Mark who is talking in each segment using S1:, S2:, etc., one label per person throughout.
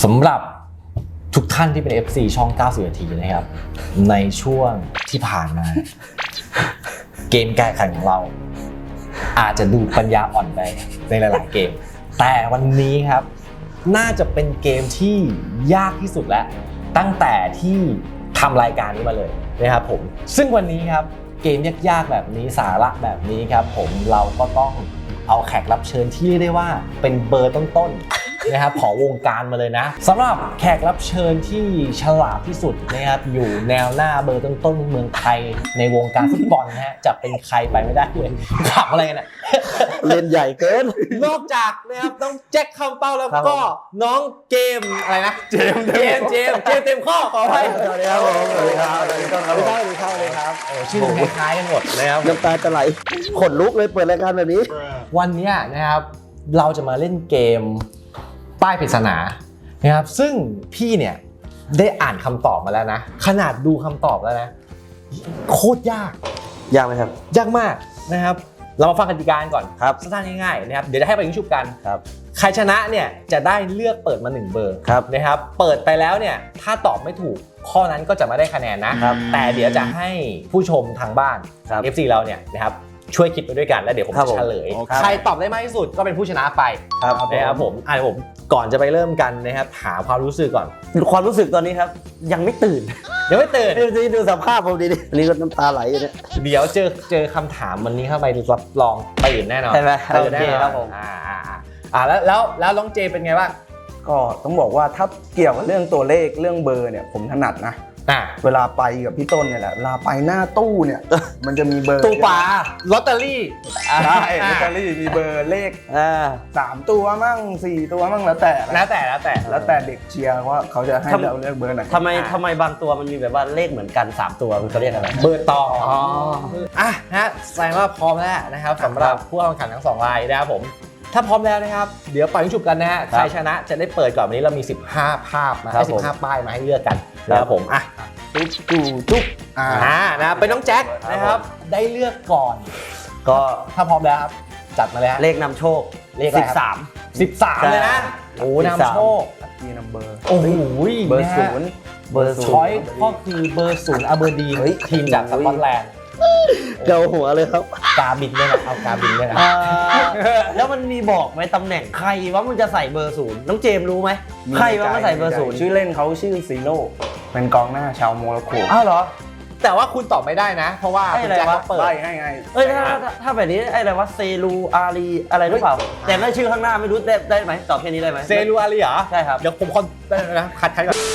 S1: สำหรับทุกท่านที่เป็น FC ช่อง90นาทีนะครับในช่วงที่ผ่านมาเกมการแข่งของเราอาจจะดูปัญญาอ่อนไปในหลายๆเกมแต่วันนี้ครับน่าจะเป็นเกมที่ยากที่สุดแล้วตั้งแต่ที่ทำรายการนี้มาเลยนะครับผมซึ่งวันนี้ครับเกมยากๆแบบนี้สาระแบบนี้ครับผมเราก็ต้องเอาแขกรับเชิญที่เรียกได้ว่าเป็นเบอร์ต้นๆนะครับของวงการมาเลยนะสำหรับแขกรับเชิญที่ฉลาดที่สุดนะครับอยู่แนวหน้าเบอร์ต้นๆเมืองไทยในวงการฟุตบอลนะฮะจะเป็นใครไปไม่ได้เลยขับอะไรกันอ่ะ
S2: เล่นใหญ่เกิน
S1: นอกจากนะครับน้องแจ็คคำเป้าแล้วก็น้องเกมอะไรนะเจมเต็มข้อขอไป
S2: สวัสดีครับผมสวัสดีครับสวัสดีครับสวัสดีครับ
S1: ชื่อคล้ายๆกันหมดนะครับ
S2: น้ำตาจะไหลขนลุกเลยเปิดรายการแบบนี้
S1: วันนี้นะครับเราจะมาเล่นเกมป้ายปริศนานะครับซึ่งพี่เนี่ยได้อ่านคำตอบมาแล้วนะขนาดดูคำตอบแล้วนะโคตรยาก
S2: ไหมครับ
S1: ยากมากนะครับเรามาฟังกติกาก่อน
S2: ครับ
S1: สั้นๆง่ายๆนะครับเดี๋ยวจะให้ไปยิงชุบกัน
S2: ครับ
S1: ใครชนะเนี่ยจะได้เลือกเปิดมา1เบอร์นะครับเปิดไปแล้วเนี่ยถ้าตอบไม่ถูกข้อนั้นก็จะไม่ได้คะแนนนะแต่เดี๋ยวจะให้ผู้ชมทางบ้าน FC เราเนี่ยนะครับช่วยคิดไปด้วยกันแล้วเดี๋ยวผมจะเฉลยใครตอบได้มากที่สุดก็เป็นผู้ชนะไปนะครับผมก่อนจะไปเริ่มกันนะครับถามความรู้สึกก่อน
S2: ความรู้สึกตอนนี้ครับยังไม่ตื่นดูสภาพผมดีๆนี่ก็น้ำตาไหลอยู่เนี่ย
S1: เดี๋ยวเจอคำถามวันนี้เข้าไปรับรองตื่นแน่นอน
S2: ใช่ไหม
S1: ตื่นแน่นอนครับผมแล้วน้องเจเป็นไงบ้าง
S3: ก็ต้องบอกว่าถ้าเกี่ยวกับเรื่องตัวเลขเรื่องเบอร์เนี่ยผมถนัดนะเวลาไปกับพี่ต้นเนี่ยแหละเวลาไปหน้าตู้เนี่ยมันจะมีเบอร์
S1: ตู้ปลาลอตเตอรี่
S3: ใช่ลอตเตอรี่มีเบอร์เลข3ตัวมั่ง4ตัวมั่งแล้วแต่เด็กเชียร์ว่าเขาจะให้เราเลือกเบอร์ไหน
S2: ทำไมบางตัวมันมีแบบว่าเลขเหมือนกัน3ตัวมันเขาเรียกอะไร
S1: เบอร์ตองฮะแสดงว่าพร้อมแล้วนะครับสำหรับผู้เข้าแข่งขันทั้ง2รายนะครับผมถ้าพร้อมแล้วนะครับเดี๋ยวปล่อยให้ฉุบกันนะฮะใครชนะจะได้เปิดก่อนวันนี้เรามี15ภาพมาให้15ป้ายมาให้เลือกกันนะครับผม
S3: จุ๊บ
S1: นะเป็นน้องแจ็คนะครับได้เลือกก่อน
S2: ก็
S1: ถ้าพร้อมแล้วครับจัดมาเลยฮะ
S2: เลขนำโชค
S1: เลข13เลยนะโอ้นำโชค
S3: มีนัมเบอร์
S1: โอ้โห
S3: เบอร์0
S1: ช้อยก็คือเบอร์0อาเบอร์ดีนทีมจากสกอตแลนด์
S2: เกาหัวเลยครับ
S1: กาบินด้วยนะเอากาบินด้วยนะ
S2: แล้วมันมีบอกไหมตำแหน่งใครว่ามันจะใส่เบอร์0น้องเจมรู้ไหมใครว่ามันใส่เบอร์0
S3: ชื่อเล่นเขาชื่อซีโร่เป็นกองหน้าชาวโมร็อกโก
S1: อ้าวเหรอแต่ว่าคุณตอบไม่ได้นะเพราะว่าคุณแจ็คเปิด
S3: ให้
S2: ถ้าแบบนี้อะไรวะเซรูอารีอะไรหรือเปล่าแต่ไม่ชื่อข้างหน้าไม่รู้ได้ไหมตอบแค่นี้ได้ไหม
S1: เซรูอารีเหรอ
S2: ใช่ครับ
S1: เดี๋ยวผมนะคัดก่อน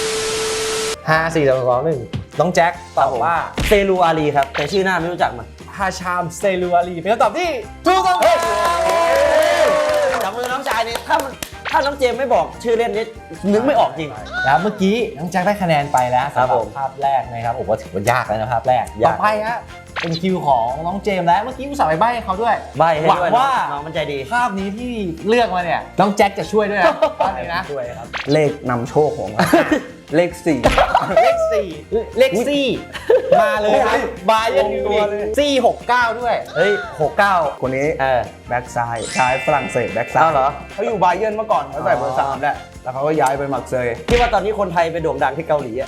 S1: 5 4 3 2 1น้องแจ็คตอบว่า
S2: เซรูอารีครับแต่ชื่อหน้าไม่รู้จักมัน
S1: ฮาชามเซรูอารีเป็นคำตอบที่ถูกต้อง
S2: จับมือน้องชายนี่ถ้าน้องเจมไม่บอกชื่อเล่นนี่นึกไม่ออกจริง
S1: แล้วเมื่อกี้น้องแจ็คได้คะแนนไปแล้วสำหรับภาพแรกนะครับผมว่าถือว่ายากแล้วนะภาพแรกต่อไปฮะเป็นคิวของน้องเจมแล้วเมื่อกี้อุตส่าห์ไปใบ้ให้เขาด้วย
S2: หวังว่าน้องมันใจดี
S1: ภาพนี้ที่เลือกมาเนี่ยน้องแจ็คจะช่วยด้วยนะภาพนี้นะ
S3: ช่วยครับเลขนำโชคของเลข4
S1: มาเลยครับบาเยิร์นมิวนิก469ด้วย
S2: เฮ้ย69
S3: คนนี้แบ็กซ้ายชายฝรั่งเศสแบ็กซ้าย
S2: เหรอ
S3: เขาอยู่บาเยิร์นเมื่อก่อนเขาใส่เบอร์3แหละแล้วเขาก็ย้ายไปมักเซย
S2: ที่ว่าตอนนี้คนไทยไปโด่งดังที่เกาหลี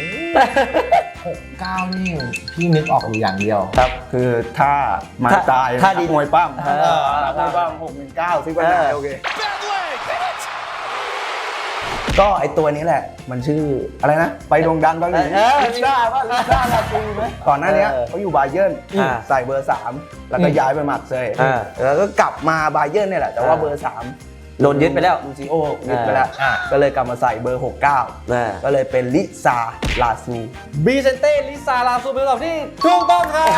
S1: 69นี่พี่นึกออกอยู่อย่างเดียว
S3: ครับคือถ้ามาตาย
S2: ถ้าดี
S3: มวยปั้มมวยปั้ม619ซิกไปไหนโอเคก็ไอตัวนี้แหละมันชื่ออะไรนะไปโด่งดังเกาหลีลิซ่าลาตูไหมก่อนหน้านี้เขาอยู่บาเยิร์นใส่เบอร์3แล้วก็ย้ายไปมักเซยแล้วก็กลับมาบาเยิร์นเนี่ยแหละแต่ว่าเบอร์3
S2: โดนยึดไปแล้ว
S3: ลูซิโอยึดไปแล้วก็เลยกลับมาใส่เบอร์69ก็เลยเป็นลิซาลาซู
S1: บีเซนเต้ลิซาลาซูเป็นคำตอบที่ถูกต้องครับ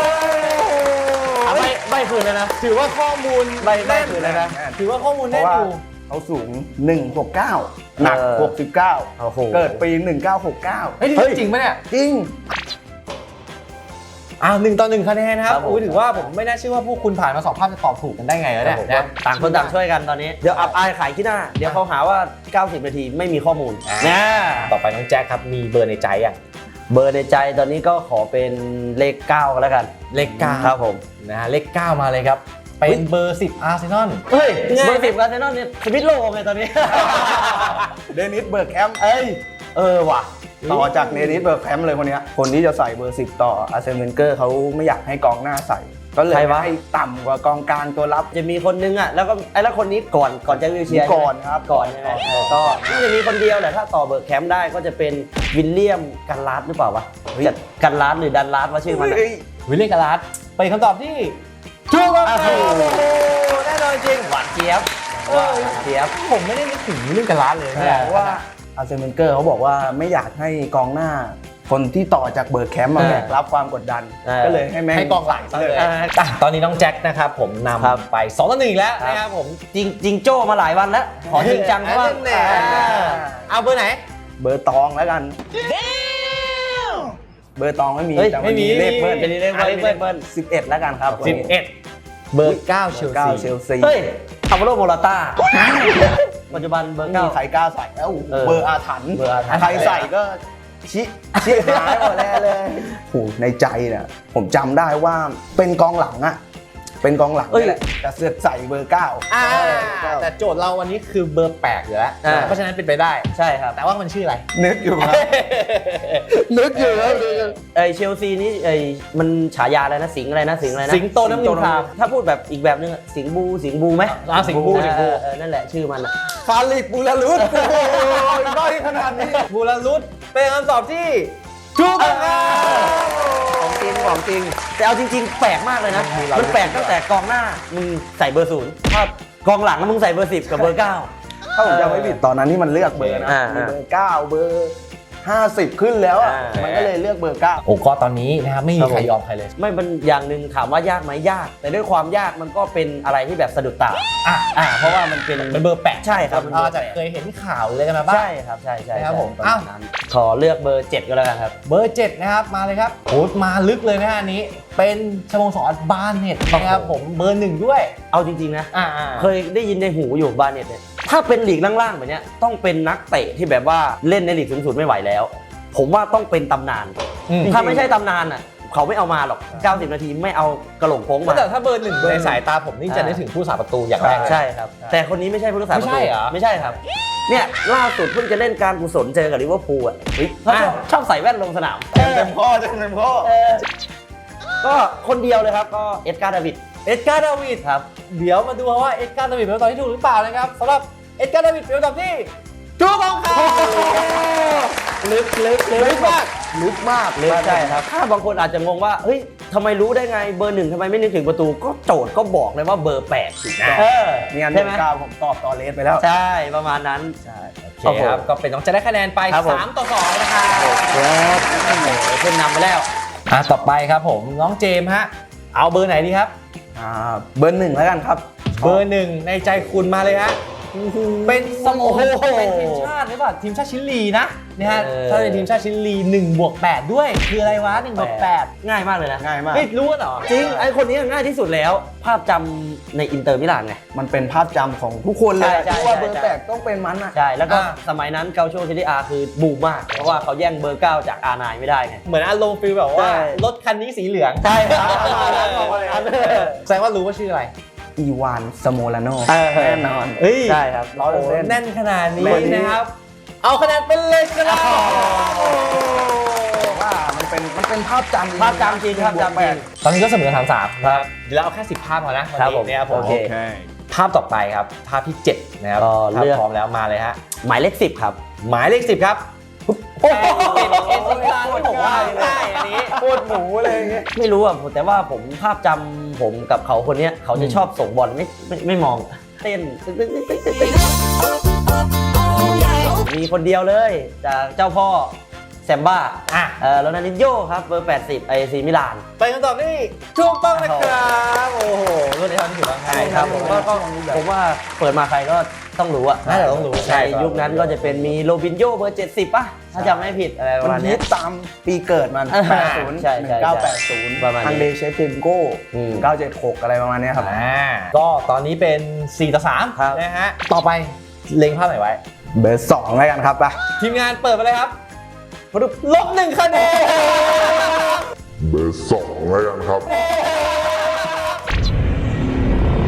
S2: ใบคืนเลยนะ
S1: ถือว่าข้อมูล
S2: ใบคืนเลยนะ
S1: ถือว่าข้อมูลแน่นอยู่
S3: เขาสูง169หนัก69เกิดปี1969
S1: เฮ้ยจริงไหมเนี่ย
S3: จริง
S1: 1-1คะแนนครับถือว่าผมไม่น่าเชื่อว่าพวกคุณผ่านมา2ภาพจะตอบถูกกันได้ไงแล้วเนี่ย
S2: ต่างคนต่างช่วยกันตอนนี้เดี๋ยวอับอายขายขี้หน้าเดี๋ยวเขาหาว่า90นาทีไม่มีข้อมูล
S1: ต่อไปน้องแจ็คครับมีเบอร์ในใจยัง
S2: เบอร์ในใจตอนนี้ก็ขอเป็นเลข9ก็แล้วกัน
S1: เลข9
S2: ครับผม
S1: นะฮะเลข9มาเลยครับเป็นเบอร์ 10 อาร์เซนอล
S2: เฮ้ยเบอร์10อาร์เซนอลเนี่ยสวิตโลไงตอนนี้
S3: เดนิสเบิร์กแคมป์ว่ะต่อจากเดนิสเบิร์กแคมป์เลยคนเนี้ยคนที่จะใส่เบอร์ 10 ต่ออาร์เซนเวนเกอร์เขาไม่อยากให้กองหน้าใส่ ก็เลย
S2: ใครวะ
S3: ให้ต่ำกว่ากองกลางตัวรับ
S2: จะมีคนนึงอ่ะแล้วก็แล้วคนนี้ก่อนแจ็ควิลเชียร์
S3: ก่อนครับ
S2: ก่อนใช่ไหมก็น่าจะมีคนเดียวแหละถ้าต่อเบิร์กแคมป์ได้ก็จะเป็นวิลเลียมกันลาสหรือเปล่าวะจะกันลาสหรือดันลาสว่าชื่อมันอะ
S3: เฮ้ย
S1: วิลเลียมกาลาสเป็นคำตอบที่ถูกต้องครับ
S2: โอ้โห
S1: แน่นอนจริง
S2: หวานเจี๊ยบหวานเจี๊ยบ
S1: ผมไม่ได้นึกถึงวิลเลียมกาลาสเลย
S3: เพราะว่าอาร์เซนเวนเกอร์เขาบอกว่าไม่อยากให้กองหน้า คนที่ต่อจากเบิร์กแคมป์มาแบกรับความกดดัน ก็เลยให้แม่ง
S1: ให้กองหลังซะเลย
S2: เออ
S1: อ่ะตอนนี้น้องแจ็คนะครับผมน
S2: ครับ
S1: ำไป2-1อีกแล้วนะครับผม
S2: จริงโจ้มาหลายวันแล้ว ขอจริงจังเพราะว่า
S1: แน่เอาเบอร์ไหน
S3: เบอร์ตองแล้วกัน เบอร์ตองไม่มี
S2: เฮ้ย
S3: แต่
S1: ไม่มี
S3: เลขเบิ้ล
S2: เป็นเลขเบิ้ล
S3: 11แล้วกันครับวันนี้
S1: 11 เบอร์ 9 เชล
S3: 9
S1: ซี
S3: เชลซี
S2: เฮ้ยอัลวาโรโมราต้าปัจจุบันเบอร์
S3: มี
S2: เก้า
S3: ใครกล้าใส่แล้ว
S2: เออ
S3: เบอร์อาถรรพ์
S2: เบอร์อาถรรพ์
S3: ใครใส่ก็ชี้หายหมดแล้วเลยโหในใจเนี่ยผมจำได้ว่าเป็นกองหลังอะเป็นกองหลังนี่แหละแต่เสือกใส่เบอร์ 9
S1: อ่าแต่โจทย์เราวันนี้คือเบอร์8อยู่แล้ว
S2: อ่า
S1: เพราะฉะนั้นเป็นไปได้
S2: ใช่ครับ
S1: แต่ว่ามันชื่ออะไร
S3: นึกอยู่ครับนึกอยู่ครับ
S2: เชลซีนี่มันฉายาอะไรนะสิงห์อะไรนะสิงห์อะไรนะ
S1: สิงโตน้ำเงินคราม
S2: ถ้าพูดแบบอีกแบบนึงอะสิงห์บูไหม
S1: สิงห์บู
S2: นั่นแหละชื่อมันอะ
S3: ฟาลิกบูลารุสโอ้ยด้อยขนาดนี้
S1: บูรารุตเป็นคำตอบที่ถูกต้องครับ
S2: ของจริงแต่เอาจริงๆแปลกมากเลยนะมันแปลกตั้งแต่กองหน้ามึงใส่เบอร์ 0ถ้ากองหลังมึงใส่เบอร์ 10กับเบอร์ 9
S3: ถ้าผมจำไม่ผิดตอนนั้นที่มันเลือกเบอร์นะ
S2: อ่า
S3: มีเบอร์ 9 เบอร์ 50 ขึ้นแล้วอ่ะ มันก็เลยเลือกเบอร์ 9
S1: โอ้ก็ตอนนี้นะครับไม่มีใครยอมใครเลย
S2: ไม่มันอย่างหนึ่งถามว่ายากไหมยาก แต่ด้วยความยากมันก็เป็นอะไรที่แบบสะดุดตา เพราะว่ามันเป็น
S1: เป็นเบอร์8
S2: ใช่ครับ
S1: อาจจะเคยเห็นข่าวเลยกันมาบ้าง
S2: ใช่ครับใช่
S1: นะครับผม
S2: ประมาณนั้นขอเลือกเบอร์ 7 ก็แล้วกันครับ
S1: เบอร์ 7 นะครับ มาเลยครับโหมาลึกเลยนะฮะอันนี้ เป็นสโมสรบาเน็ตนะครับผมเบอร์ 1 ด้วย
S2: เอาจริงๆนะ เค
S1: เคย
S2: ยได้ยินในหูอยู่บาเน็ตเนี่ยถ้าเป็นลีกล่างๆแบบเนี้ยต้องเป็นนักเตะที่แบบว่าเล่นในลีกสูงสุดไม่ไหวแล้ว ผมว่าต้องเป็นตำนาน ถ้าไม่ใช่ตำนานอ่ะเขาไม่เอามาหรอก 90 นาทีไม่เอากระโหลกโค้งมา
S1: แต่ถ้าเบอร์ 1 ในสายตาผมนี่จะนึกถึงผู้สาประตูอย่างแรกเลย
S2: ใช่ครับ แต่คนนี้ไม่ใช่ผู้รักษาประตู
S1: ไม่ใช่เหรอ
S2: ไม่ใช่ครับ เนี่ยล่าสุดเพิ่งจะเล่นการกุศลเจอกับลิเวอร์พูลอ่ะเขาชอบใส่แว่นลงสนาม
S3: เต็มข้อเต็มข้อ
S2: ก็คนเดียวเลยครับก็เอ็ดการ์ดาวิด
S1: เอ็ดการ์ดาวิด
S2: ครับ
S1: เดี๋ยวมาดูว่าเอ็ดการ์ดาวิดเป็นคำตอบที่ถูกหรือเปล่านะครับสำหรับเอ็ดการ์ดาวิดเป็นคำตอบที่ถูกต้องครับ
S2: ลึกมาก
S3: ลึกมาก
S2: ลึกใช่ครับถ้าบางคนอาจจะงงว่าเฮ้ยทำไมรู้ได้ไงเบอร์ 1ทำไมไม่นึกถึงประตูก็โจทย์ก็บอกเลยว่าเบอร์8ถูกนะ
S3: เนี่ยเบ
S2: ใช่
S3: อ
S2: ไหม
S3: ร์ 9 ผมตอบต่อเลสไปแล้ว
S2: ใช่ประมาณนั้น
S3: ใช่
S1: โอเคครับก็เป็นน้องจะได้คะแนนไป
S2: ครับผม
S1: 3-2นะครับ
S2: ขึ้นนำไปแล้ว
S1: ต่อไปครับผมน้องเจมส์ฮะเอาเบอร์ไหนดีครับ
S3: เบอร์ 1 แล้วกันครับ
S1: เบอร์ 1 ในใจคุณมาเลยฮะเป็นสโมสรเป็นทีมชาติหรือเปล่าทีมชาติชิลีนะฮะถ้าเป็นทีมชาติชิลี1+8ด้วยคืออะไรวะ1+8
S2: ง่ายมากเลยนะ
S3: ง่ายมาก
S1: ไม่รู้เหรอ
S2: จริงไอ้คนนี้ง่ายที่สุดแล้ว ภาพจำในอินเตอร์มิลานไง
S3: มันเป็นภาพจำของทุกคนเลย
S2: ใช่
S3: ที่ว่าเบอร์
S2: ใช่
S3: 8ต้องเป็นมันอ่ะ
S2: ใช่แล้วก็สมัยนั้นเกาโชเซรีอาคือบูมมาก เพราะว่าเขาแย่งเบอร์ 9 จากอาร์ไนไม่ได้ไง
S1: เหมือนอารมณ์ฟีลแบบ
S2: ใช่
S1: ว่ารถคันนี้สีเหลือง
S2: ใช่ครับ
S1: แสดงว่ารู้ว่าชื่ออะไร
S3: อีวานสโมลาโน
S2: แน่
S3: แน่นอน
S2: ใช่ครับ
S1: โอ้โห
S3: 100%
S1: แน่นขนาดนี้
S3: คนนี้
S1: นะครับ เอาคะแนนเป็นเลยครับ
S3: ว่ามันเป็นภาพจำ
S2: ภาพจำจริงภาพจำจริง
S1: ตอนนี้ก็เสมอ3-3ครับเดี๋ยวเราเอาแค่10 ภาพพอนะวัน
S2: ครับผม
S1: นี้นะครับผม
S2: โอเค
S1: ภาพต่อไปครับ ภาพที่ 7 นะครับ
S2: ก็
S1: ถ้า
S2: เลือก
S1: พร้อมแล้วมาเลยฮะ
S2: หมายเลข 10 ครับ
S1: หมายเลข 10 ครับโอ้โหเป็นเอซิลาที่ผมว่าง่ายอันนี้
S3: โคตรหมูเลยอย่างเงี้ย
S2: ไม่รู้อ่ะแต่ว่าผมภาพจำผมกับเขาคนเนี้ยเขาจะชอบส่งบอลไม่มองเต้นมีคนเดียวเลยจากเจ้าพ่อแซมบ้าโรนัลดินโญ่ครับเบอร์ 80ไอซีมิลาน
S1: เป็นคำตอบที่ถูกต้องนะครับโอ้โหรุ่นนี้ทำที่ถูกต้อง
S2: ใช่ครับผมว่าเปิดมาใครก็ต้องรู้อะ
S1: น่าจะต้องรู้
S2: ใช่ยุคนั้นก็จะเป็นมีโรบินโญ่เบอร์ 70 ป่ะ ถ้าจำไม่ผิดอะไรประ
S3: มั
S2: มาณ
S3: น
S2: นี้
S3: ฮิตตามปีเกิดมัน 80
S2: ใช่
S3: 1980
S2: ๆประมาณนี้
S3: ทางเดชเฟนโก้ 976 อะไรประมาณเนี้ยครับ
S1: ก็ตอนนี้เป็น 4-3
S2: ครับ
S1: นะฮะต่อไปเล็งภาพไหนไว้
S3: เบอร์ 2 แล้วกันครับป่ะ
S1: ทีมงานเปิดไปเลยครับลบ1 คะแนน
S4: เบอร์ 2 แล้วกันครับ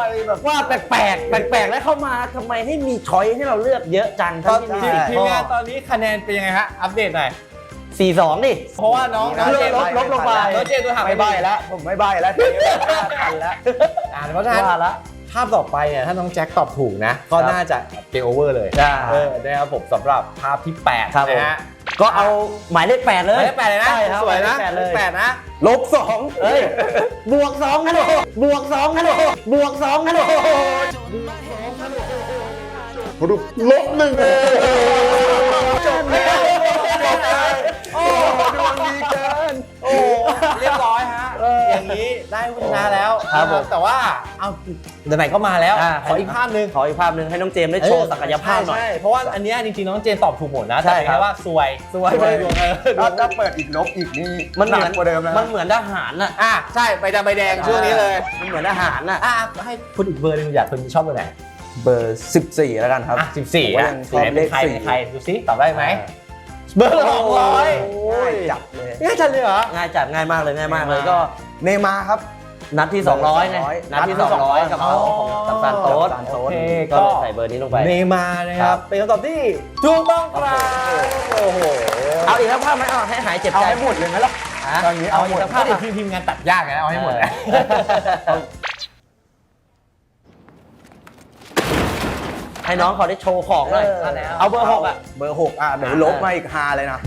S3: อะไรแบบ
S2: ว่าแปลกแล้วเข้ามาทำไมให้มีช้อยให้เราเลือกเยอะจัง
S1: ตอน
S2: ทั้งที่มี
S1: ทีมงานตอนนี้คะแนนเป็นยังไงฮะอัปเดตหน่อย
S2: 4-2 ดิ
S1: เพราะว่าน้องเจมส์ลบลงไปน้องเจมส์ตัวห่าง
S3: ไม่ใบ้แล้วผมไม่ใบ้แล้วทันแล้ว
S1: เพราะฉะนั้น
S2: ว่าละ
S1: ภาพต่อไปเนี่ยถ้าน้องแจ็คตอบถูกนะ ก็น่าจะเกมโอเวอร์เลย
S2: ใช่
S1: นะครับผมสำหรับภาพที่8
S2: ครับผม
S1: นะฮะ
S2: ก็เอาหมายเลข 8 เลย
S1: หมายเลข8เลยนะ
S2: ใช่ครับ
S1: สวยนะ
S2: หมายเลข 8 เลย
S1: 8นะ
S3: -2
S2: เฮ้ยบวก2กันเลยบวก2กันเลยบวก2กันเลย
S3: -1จบแล้วโอ้ดวงดีเกิน
S1: โอ้เรียบร้อยฮะอย่างนี้ได้ผู้ชนะแล้ว
S2: ครับผม
S1: แต่ว่าเอาไหนๆก็มาแล้ว
S2: อ่า
S1: ขออีกภาพหนึ่ง
S2: ขออีกภาพหนึ่งให้น้องเจมส์ได้โชว์ศักยภาพหน่อย
S1: ใช่เพราะว่าอันเนี้ยจริงๆน้องเจนตอบถูกหมดนะ
S2: ใช่
S1: แต่เป็น
S2: ครั
S1: แค่
S2: บ
S1: ว่าสวย
S3: เลย
S1: ดวง
S3: ถ้าเปิดอีกลบอีกนี่
S2: มันเห
S3: หนั
S2: มือก น
S3: กว่าเดิมนะ
S2: มันเหมือนทหารน่ะ
S1: ใช่ใบดำใบแดงช่วงนี้เลย
S2: มันเหมือนทหารน่ะ
S1: ให้คุณอีกเบอร์หนึงอยากคุณชอบเบอร์ไหน
S3: เบอร์ 14 แล้วกันครับ
S1: 14
S3: ผมก็
S1: อ่ะ
S3: ยังชอบเลข
S1: ใคร
S3: สี่
S1: ใครดูซิตอบได้ไหมเบอร์200
S3: ง่ายจับเลย
S1: ง่ายจังเลยเหรอ
S2: ง่ายจัดง่ายมากเลยก็
S3: เนย์มาร์ครับ
S2: นัดที่ 200ไงนัดที่ 200กับเขาของกัปตันโต๊ด
S3: กัปตันโต๊ด
S1: โอเค
S2: ก็เลยใส่เบอร์นี้ลงไป
S1: เนย์มาร์นะครับเป็นคำตอบที่ถูกต้องครับโอ้โห
S2: เอาอีกสักภาพไหมเอาให้หายเจ็บ
S3: เอา
S2: ใจ
S3: ให้หมดเลยไหมล่ะตอนนี้เอาหมด
S2: อีกสัก
S1: ถ้า
S2: ภาพ
S1: เดี๋ยวทีมงานตัดยากนะเอาให้หมดนะ
S2: ให้น้องเขาได้โชว์ของเลยเอาเบอร์ 6 อ่ะ
S3: เบอร์ 6 เดี๋ยวลบมาอีก5เลยนะ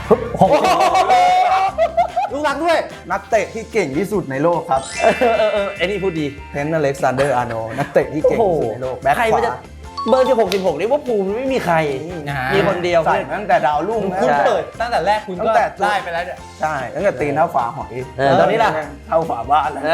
S1: ลูกรักด้วย
S3: นักเตะที่เก่งที่สุดในโลกครับ
S2: ไอ้นี่พูดดี
S3: เทนต์อเล็กซานเดอร์อาร์โนนักเตะที่เก่งที่สุดในโลกแบ็ค
S2: ใคร
S3: ข
S2: มันจะ
S3: วา
S2: เบอร์16นี่ว่าภูมิไม่มีใคร
S1: นะฮะ
S2: มีคนเดียว
S3: ใส่มาตั้งแต่ดาวรุ่ง
S1: คุณ
S3: นะ
S1: เปิดตั้งแต่แรกคุณ
S3: ตั้
S1: ก็
S3: งแต่
S1: ได้ไปแล้วเนี่ย
S3: ใช่ตั้งแต่ตีนเท่าฝาหอย
S2: ตอนนี้ล่ะ
S3: เท่าฝาบ้านแล้ว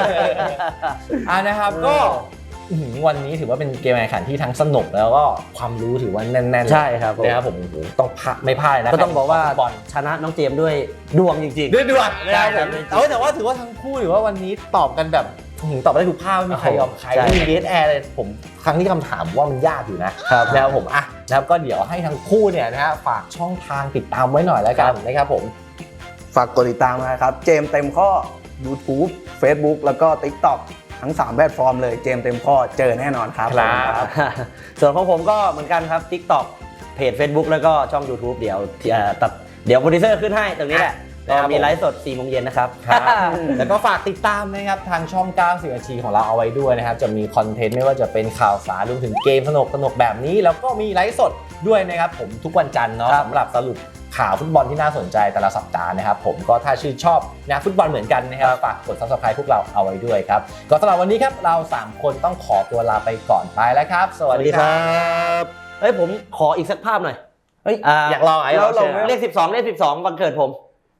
S1: นะครับก็วันนี้ถือว่าเป็นเกมแข่งขันที่ทั้งสนุกแล้วก็ความรู้ถือว่าแน่นๆ
S2: ใช่ครับผม
S1: นะครับผมโอ้โหต้องไม่พลาดนะ
S2: ก็ต้องบอกว่า
S1: บอล
S2: ชนะน้องเจมส์ด้วยดวงจริง
S1: ด้วยด่วนนะครับผม
S2: ใช่
S1: แต่ว่าถือว่าทั้งคู่ถือว่าวันนี้ตอบกันแบบตอบได้ทุกภาพไม่มีใครยอมใคร
S2: ใช่
S1: ไม่มีเดทแอร์เลยผมครั้งที่คำถามว่ามันยากอยู่นะครับ นะครับผมนะครับก็เดี๋ยวให้ทั้งคู่เนี่ยนะฮะฝากช่องทางติดตามไว้หน่อยแล้วกันนะครับผม
S3: ฝากกดติดตามนะครับ เจมส์เต็มข้อ YouTube Facebook แล้วก็ TikTok ทั้ง 3 แพลตฟอร์มเลยเจมส์เต็มข้อเจอแน่นอนครับ
S1: ครับ
S2: ๆ ส่วนของผมก็เหมือนกันครับ TikTok เพจ Facebook แล้วก็ช่อง YouTube เดี๋ยวโปรดิวเซอร์ขึ้นให้ตรงนี้แหละก็มีไลฟ์สด 4 โมงเย็นนะครับ
S1: แล้วก็ฝากติดตามนะครับทางช่อง 90 นาทีของเราเอาไว้ด้วยนะครับจะมีคอนเทนต์ไม่ว่าจะเป็นข่าวสารรวมถึงเกมสนุกแบบนี้ แล้วก็มีไลฟ์สดด้วยนะครับผมทุกวันจันทร์เนาะ
S2: ครับ
S1: สำหรับสรุปข่าวฟุตบอลที่น่าสนใจแต่ละสัปดาห์นะครับผมก็ถ้าชื่นชอบนะฟุตบอลเหมือนกันนะครับฝากกด Subscribe พวกเราเอาไว้ด้วยครับก็สำหรับวันนี้ครับเรา 3 คนต้องขอตัวลาไปก่อนไปแล้วครับ สวัสดีครับ
S2: เฮ้ยผมขออีกสักภาพหน่อย
S3: เฮ้ย
S1: อยากลองไอ้
S3: เราลง
S2: เลข 12 วันเกิดผม